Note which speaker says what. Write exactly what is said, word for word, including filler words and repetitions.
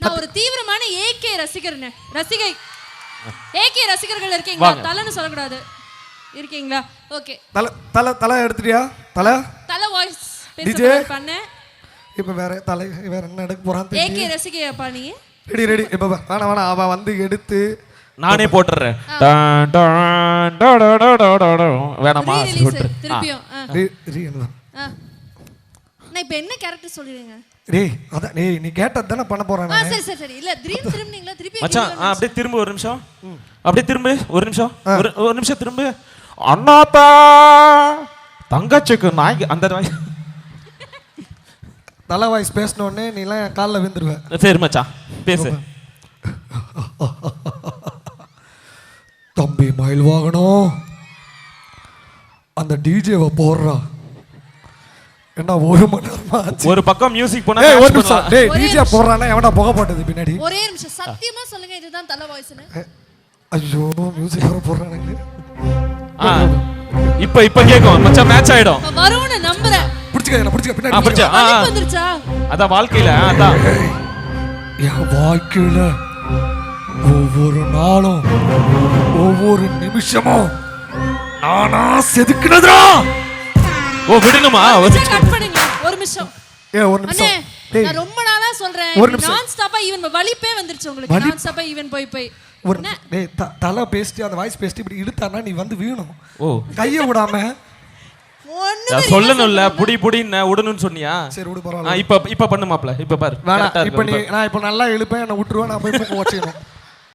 Speaker 1: நான் ஒரு தீவிரமான ஏகே ரசிகர்னே. ரசிகை ஏகே ரசிகர்கள் இருக்கீங்களா? தலைன்னு சொல்லக்கூடாது. இருக்கீங்களா? ஓகே.
Speaker 2: தல தல தல எடுத்துட்டியா? தல
Speaker 1: தல வாய்ஸ் பேச பண்ண.
Speaker 2: இப்போ வேற தலை வேற என்ன எடுக்க போறான் தெரியல.
Speaker 1: ஏகே ரசிகையாப்பா நீ?
Speaker 2: Ready ready. இப்போ வேணா வேணா அவ வந்து எடுத்து
Speaker 3: நானே போட்டுறேன். டான் டான் டா டா டா டா டா. வேணாமா போட்டு.
Speaker 1: திருப்பியும்.
Speaker 2: ரீ ரீ என்ன?
Speaker 1: நான் இப்போ என்ன கேரக்டர் சொல்றீங்க?
Speaker 2: டேய் அத டேய் நீ கேட்டத தான பண்ண போறேன் நான்.
Speaker 1: சரி சரி சரி. இல்ல திரும்பி திரும்பினீங்களா? திருப்பி
Speaker 3: மச்சான் அப்படியே திரும்ப ஒரு நிமிஷம். அப்படியே திரும்ப ஒரு நிமிஷம். ஒரு ஒரு நிமிஷம் திரும்ப. அண்ணாத்தா தங்கச்சிக்கு நாய் அந்த வாய்
Speaker 2: தல வாய்ஸ் பேசன உடனே நீ எல்லாம் கால்ல விழுந்துருவ.
Speaker 3: சரி மச்சான் பேசு.
Speaker 2: தம்பி மயில் வாகனம் அந்த டிஜேவை போடுறா. என்ன ஒரு மணி நேரமா
Speaker 3: ஒரு பக்கம் மியூசிக் போனா
Speaker 2: ஏய் ஒரு நிமிஷம். டேய் டிஜே போடுறானே எவனா புகை போட்டது பின்னாடி?
Speaker 1: ஒரே நிமிஷம் சத்தியமா சொல்லுங்க இதுதான் தல வாய்ஸ்னு.
Speaker 2: ஐயோ மியூசிக் வர போறானே.
Speaker 3: ஆ இப்போ இப்போ கேக்கும் மச்சான் மேட்ச் ஆயிடும்.
Speaker 1: வரும்னு நம்புறேன்.
Speaker 2: புடிச்சுக்க என்ன புடிச்சுக்க பின்னாடி.
Speaker 3: ஆ புடிச்சா. ஆ
Speaker 1: வந்துருச்சா?
Speaker 3: அத வாழ்க்கையில அத
Speaker 2: என் வாழ்க்கையில ஒவ்வொரு நாளும் ஒவ்வொரு நிமிஷமும் நானா செதுக்குனதா.
Speaker 3: ஓ விடுங்கமா
Speaker 1: கட் பண்ணுங்க ஒரு நிமிஷம்.
Speaker 2: ஏ ஒரு நிமிஷம்.
Speaker 1: டேய் நான் ரொம்ப நாளா சொல்றேன். நான் ஸ்டாப்பா ஈவன் வலிப்பே வந்துருச்சு உங்களுக்கு. நான் ஸ்டாப்பா ஈவன் போய் போய்
Speaker 2: ஒரு டேய் தல பேஸ்ட் அந்த வாய்ஸ் பேஸ்ட் இப்படி இழுத்தானா நீ வந்து வீணும்.
Speaker 3: ஓ
Speaker 2: கைய விடாம
Speaker 3: நான் சொல்லணும்ல புடி புடின்னு உடணும்னு சொன்னியா?
Speaker 2: சரி விடு பரவாயில்லை.
Speaker 3: இப்ப இப்ப பண்ணு மாப்ள. இப்ப பாரு.
Speaker 2: வேணா இப்ப நீ நான் இப்ப நல்லா இழுப்பேன் என்ன விட்டுருவேன் நான் போய் போய் வச்சிரணும்.